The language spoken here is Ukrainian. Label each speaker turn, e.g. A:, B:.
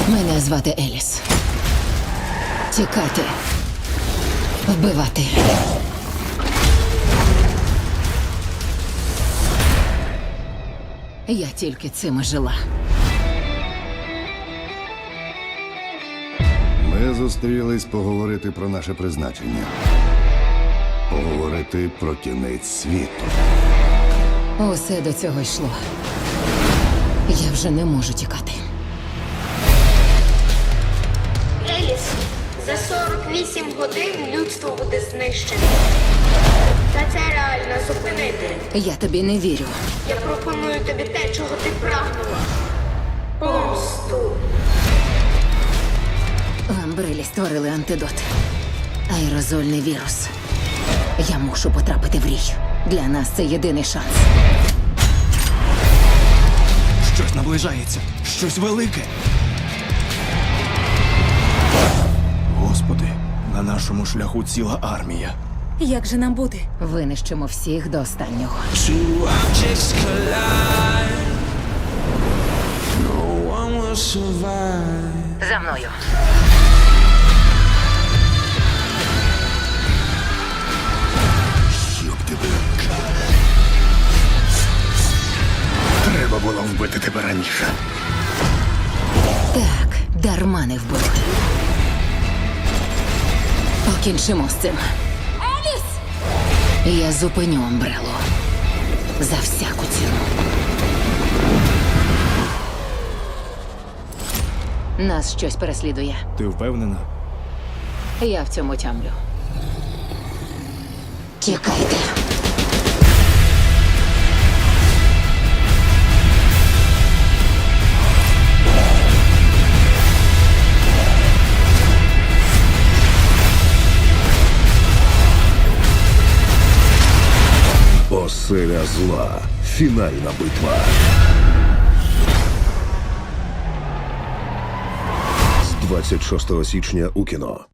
A: Мене звати Еліс. Тікати. Вбивати. Я тільки цим і жила.
B: Ми зустрілись поговорити про наше призначення. Поговорити про кінець світу.
A: Усе до цього йшло. Я вже не можу тікати.
C: Еліс, за 48 годин людство буде знищене. Та це реально зупинити.
A: Я тобі не вірю.
C: Я пропоную тобі те, чого ти прагнула. Помсту.
A: В Амбрелі створили антидот. Аерозольний вірус. Я мушу потрапити в рій. Для нас це єдиний шанс.
D: Щось наближається, щось велике. Господи, на нашому шляху ціла армія.
E: Як же нам бути?
A: Винищимо всіх до останнього.
F: Two objects collide. No one will survive.
A: За мною.
B: Щоб тебе. Треба було вбити тебе раніше.
A: Так, дарма не вбили. Покінчимо з цим. Еліс! Я зупиню Амбрелу. За всяку ціну. Нас щось переслідує.
D: Ти впевнена?
A: Я в цьому тямлю. Тікайте.
B: Оселя зла. Фінальна битва. З 26 січня у кіно.